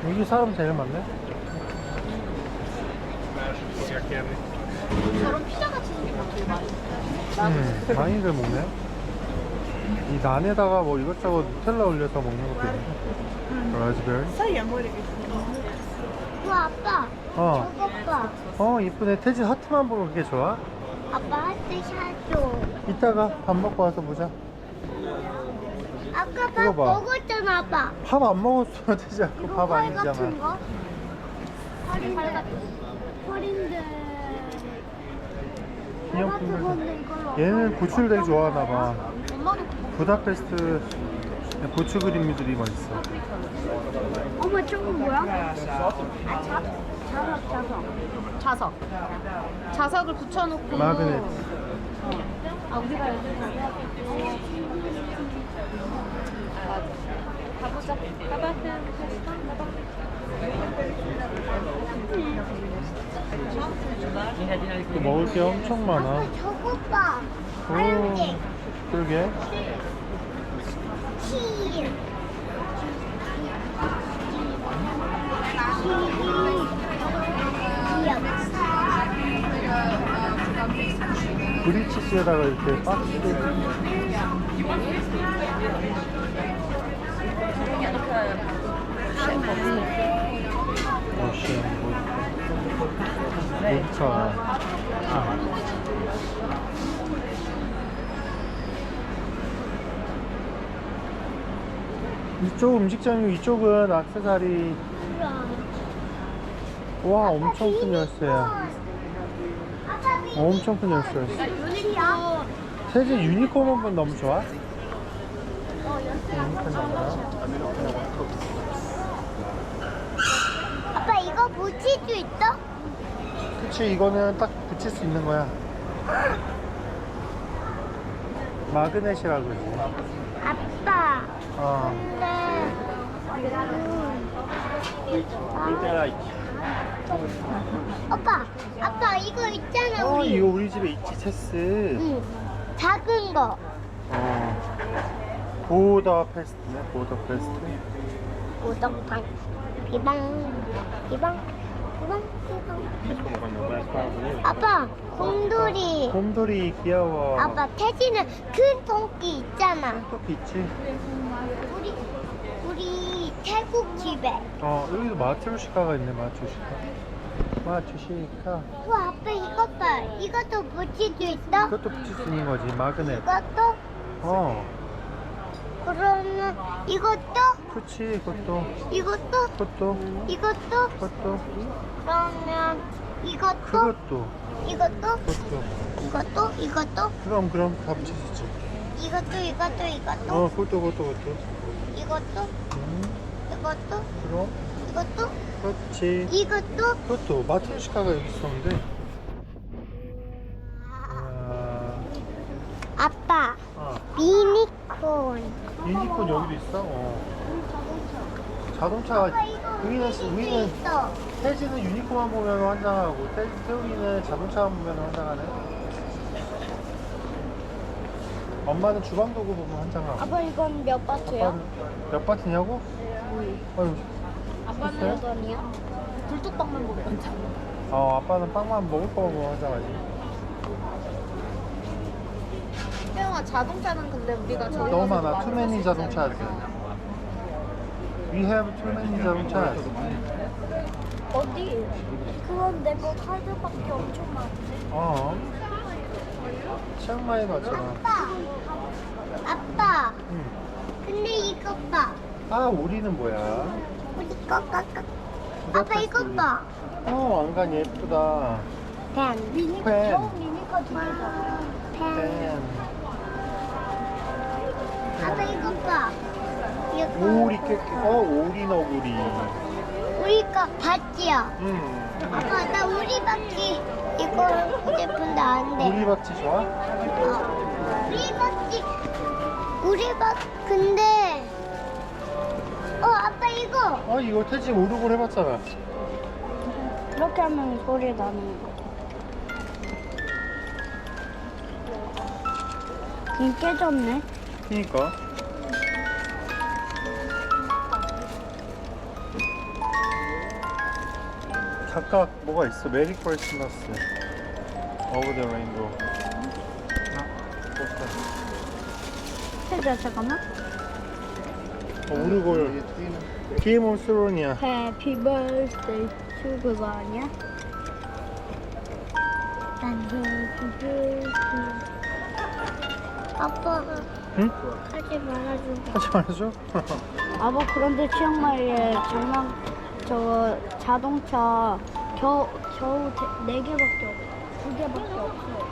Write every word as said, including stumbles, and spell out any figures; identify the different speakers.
Speaker 1: 여기 사람 제일 많네.
Speaker 2: 저런 피자같이 생긴 거 되게 많이
Speaker 1: 음, 많이들 먹네. 이 난에다가 뭐 이것저것 누텔라 올려서 먹는 것도 있는데. 라즈베리.
Speaker 3: 사이에 모르겠어.
Speaker 4: 우와 아빠
Speaker 1: 어.
Speaker 4: 저거 봐.
Speaker 1: 어, 이쁘네. 태진 하트만 보고 그게 좋아?
Speaker 4: 아빠 하트 샤줘.
Speaker 1: 이따가 밥 먹고 와서 보자.
Speaker 4: 아까 밥
Speaker 1: 이거 봐.
Speaker 4: 먹었잖아 아빠.
Speaker 1: 밥 안 먹었어, 태진. 그거
Speaker 4: 이거
Speaker 1: 밥
Speaker 4: 활 같은
Speaker 1: 아니잖아.
Speaker 4: 거? 활인데 활인데
Speaker 1: 기념품들. 얘는 고추를 되게 좋아하나 봐.
Speaker 2: 엄마도
Speaker 1: 부다페스트 고추 그림들이 맛있어.
Speaker 4: 어머 저거 뭐야? 아 자석 자석.
Speaker 2: 자석 자석을 붙여놓고
Speaker 1: 마그넷.
Speaker 2: 아 우리가 여기 가보자. 가봐.
Speaker 1: 또 먹을 게 엄청 많아.
Speaker 4: 아빠 저거 봐.
Speaker 1: 오,
Speaker 4: 파란색.
Speaker 1: 그러게.
Speaker 4: 치.
Speaker 1: 브리치스에다가 이렇게 박스. 러시아 뭐 녹차. 이쪽 음식점이고 이쪽은 액세서리. 와, 엄청 큰 열쇠야. 엄청 큰 열쇠였어.
Speaker 4: 유니콘.
Speaker 1: 세진 유니콘 한번 너무 좋아?
Speaker 4: 어,
Speaker 1: 유니콘 나와.
Speaker 4: 아빠 이거 붙일 수 있어?
Speaker 1: 그치, 이거는 딱 붙일 수 있는 거야. 마그넷이라고 그러지.
Speaker 4: 아빠.
Speaker 1: 어.
Speaker 4: 근데 오빠, 아빠 이거 있잖아
Speaker 1: 어,
Speaker 4: 우리.
Speaker 1: 이거 우리 집에 있지, 체스.
Speaker 4: 응. 작은 거.
Speaker 1: 어. 보더 페스트네, 보더 페스트.
Speaker 4: 오덕방. 비방. 비방. 비방. 비방. 아빠, 곰돌이.
Speaker 1: 곰돌이 귀여워.
Speaker 4: 아빠, 태진은 큰 토끼 있잖아.
Speaker 1: 또 있지?
Speaker 4: 우리 우리 태국 집에.
Speaker 1: 어, 여기도 마트루시카가 있네, 마트루시카. 마트루시카.
Speaker 4: 와, 아빠 이것 봐. 이것도 붙일 수 있어?
Speaker 1: 이것도 붙일 수 있는 거지, 마그넷.
Speaker 4: 이것도?
Speaker 1: 어,
Speaker 4: 그러면 이것도?
Speaker 1: 그치, 이것도.
Speaker 4: 이것도?
Speaker 1: 그것도.
Speaker 4: 이것도?
Speaker 1: 그것도.
Speaker 4: 그러면 이것도?
Speaker 1: 그것도.
Speaker 4: 이것도?
Speaker 1: 그것도.
Speaker 4: 이것도? 이것도?
Speaker 1: 그럼, 그럼 다 붙일 수 있지.
Speaker 4: 이것도? 이것도? 이것도?
Speaker 1: 어, 그것도, 그것도, 그것도.
Speaker 4: 이것도?
Speaker 1: 음,
Speaker 4: 이것도?
Speaker 1: 그럼.
Speaker 4: 이것도?
Speaker 1: 그렇지.
Speaker 4: 이것도?
Speaker 1: 그것도 마트루시카가 여기 있었는데. 아,
Speaker 4: 아빠,
Speaker 1: 아,
Speaker 4: 미니콘.
Speaker 1: 유니콘 여기도 있어? 어. 자동차가,
Speaker 4: 아빠 이거
Speaker 1: 우리는,
Speaker 4: 붙일 수
Speaker 1: 우리는,
Speaker 4: 있어.
Speaker 1: 태지는 유니콘만 보면 환장하고, 태, 태욱이는 자동차만 보면 환장하네. 엄마는 주방 도구 보면 환장하고.
Speaker 4: 아빠 이건 몇 바트야?
Speaker 1: 아빠는 몇 바트냐고? 아유,
Speaker 4: 아빠는
Speaker 1: 글쎄?
Speaker 4: 몇 원이야?
Speaker 2: 굴뚝빵만 먹으면 괜찮아.
Speaker 1: 어, 아빠는 빵만 먹을 거만 보면 환장하지.
Speaker 2: 태영아 자동차는 근데 우리가 저희
Speaker 1: 너무
Speaker 2: 가서
Speaker 1: 많아.
Speaker 2: 많이
Speaker 1: 투매니
Speaker 2: 살 수 있잖아.
Speaker 1: 자동차. We have too many 자동차.
Speaker 4: 어디? 그건 내 거 카드밖에 엄청 많은데.
Speaker 1: 어. 치앙마이 맞잖아.
Speaker 4: 아빠, 아빠.
Speaker 1: 응.
Speaker 4: 근데 이거 봐.
Speaker 1: 아, 오리는 뭐야?
Speaker 4: 우리 거, 거, 거. 아빠 이거 봐.
Speaker 1: 어, 왕관 예쁘다.
Speaker 4: 펜. 미니
Speaker 1: 펜.
Speaker 4: 저 미니카 두 개잖아. 펜.
Speaker 1: 펜.
Speaker 4: 아빠 이거 봐. 이거.
Speaker 1: 오리 깨, 어, 오리 너구리.
Speaker 4: 우리 거 봤지요?
Speaker 1: 응.
Speaker 4: 아빠 나 우리 바퀴 이거 하고 싶은데 안 돼.
Speaker 1: 오리 박쥐 좋아?
Speaker 4: 어. 우리 바퀴. 우리 바 근데. 어 아빠 이거.
Speaker 1: 어, 이거 태지 오르골 해봤잖아.
Speaker 4: 이렇게 하면 소리 나는 거. 이 깨졌네.
Speaker 1: 그니까. 각각 뭐가 있어. 메리 크리스마스. Over the rainbow.
Speaker 4: 해줘 잠깐만.
Speaker 1: 어, 우르골. 게임 올 스론이야.
Speaker 4: Happy birthday to 그거 아니야? 난 happy birthday. 아빠가
Speaker 1: 응?
Speaker 4: 하지 말아줘.
Speaker 1: 하지 말아줘.
Speaker 4: 아빠 그런데 치앙마이에 장난 저 자동차 겨우 겨우 네 개밖에 없어. 두 개밖에 없어.